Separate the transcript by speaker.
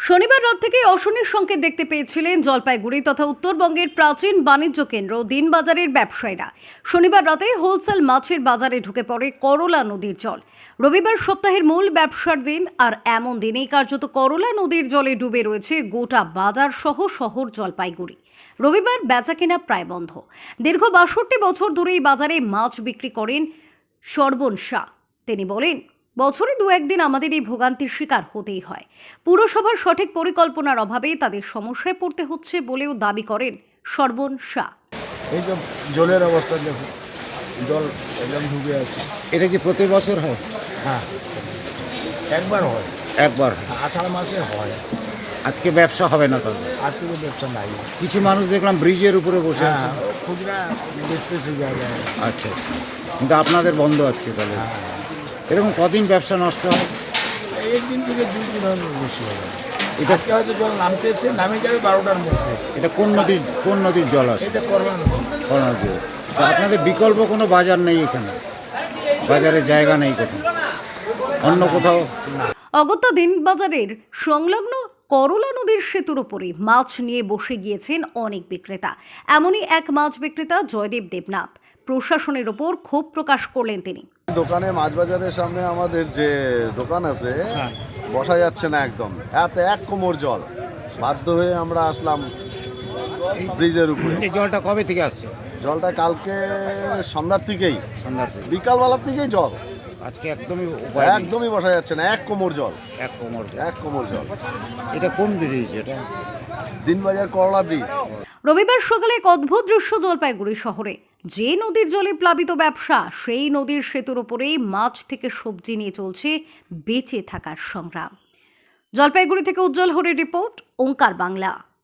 Speaker 1: শনিবার রাত থেকে অশনির সংকেত দেখতে পেয়েছিলেন জলপাইগুড়ি তথা উত্তরবঙ্গের প্রাচীন বাণিজ্য কেন্দ্র দিনবাজারের ব্যবসায়ীরা। শনিবার রাতে হোলসেল মাছের বাজারে ঢুকে পড়ে করলা নদীর জল। রবিবার সপ্তাহের মূল ব্যবসার দিন, আর এমন দিনেই কার্যত করলা নদীর জলে ডুবে রয়েছে গোটা বাজার সহ শহর জলপাইগুড়ি। রবিবার বেচাকেনা প্রায় বন্ধ। দীর্ঘ ৬২ বছর ধরে এই বাজারে মাছ বিক্রি করেন সর্বণ শাহ। তিনি বলেন, বছরে দু একদিন আমাদের এই ভোগান্তির শিকার হতেই হয়। পুরসভার সঠিক পরিকল্পনার অভাবে তাদের সমস্যায় পড়তে হচ্ছে বলেও দাবি করেন সর্বণ শাহ।
Speaker 2: এই যে জলের অবস্থা দেখুন, জল একদম ঢুকে আছে।
Speaker 3: এটা কি প্রতি বছর হয়?
Speaker 2: হ্যাঁ, একবার হয়,
Speaker 3: একবার।
Speaker 2: আষাঢ় মাসে হয়।
Speaker 3: আজকে ব্যবসা হবে না তাহলে?
Speaker 2: আজকে তো ব্যবসা নাই।
Speaker 3: কিছু মানুষ দেখলাম ব্রিজের উপরে বসে আছে।
Speaker 2: হ্যাঁ, খুচরা বেচতেছে জায়গায়।
Speaker 3: আচ্ছা আচ্ছা, কিন্তু আপনাদের বন্ধ আজকে তাহলে?
Speaker 2: হ্যাঁ,
Speaker 3: এরকম কদিন ব্যবসা নষ্ট হয়?
Speaker 2: একদিন থেকে 2-3 দিন বেশি হবে।
Speaker 3: এটা
Speaker 2: আজকে হয়তো জল নামতে এসে নামে যাবে 12টার মধ্যে।
Speaker 3: এটা কোন নদীর জল আসে?
Speaker 2: এটা করবা না।
Speaker 3: কোন নদী? তা আপনাদের বিকল্প কোনো বাজার নেই এখানে? বাজারে জায়গা নেই কোথাও? অন্য কোথাও?
Speaker 1: অগত্যা দিনবাজারের সংলগ্ন করলা নদীর সেতুর উপরে মাছ নিয়ে বসে গিয়েছেন অনেক বিক্রেতা। এমনই এক মাছ বিক্রেতা জয়দেব দেবনাথ প্রশাসনের ওপর ক্ষোভ প্রকাশ করলেন তিনি।
Speaker 4: দোকানে মাছ বাজারের সামনে আমাদের যে দোকান আছে বসা যাচ্ছে না, একদম এক কোমর জল। বাধ্য হয়ে আমরা আসলাম ব্রিজের উপরে।
Speaker 3: এই জলটা কবে থেকে আসছে?
Speaker 4: জলটা কালকে সন্ধ্যার থেকেই,
Speaker 3: সন্ধ্যার থেকে?
Speaker 4: বিকালবেলার থেকেই জল।
Speaker 3: আজকে একদমই উপায় নেই।
Speaker 4: একদমই বসা যাচ্ছে না, এক কোমর জল।
Speaker 3: এক কোমর জল।
Speaker 4: এক কোমর জল।
Speaker 3: এটা কোন ব্রিজ এটা?
Speaker 4: দিনবাজার করলা ব্রিজ।
Speaker 1: রবিবার সকালে এক অদ্ভুত দৃশ্য জলপাইগুড়ি শহরে। যে নদীর জলে প্লাবিত ব্যবসা, সেই নদীর সেতুর ওপরেই মাছ থেকে সবজি নিয়ে চলছে বেঁচে থাকার সংগ্রাম। জলপাইগুড়ি থেকে উজ্জ্বল হরের রিপোর্ট, ওঙ্কার বাংলা।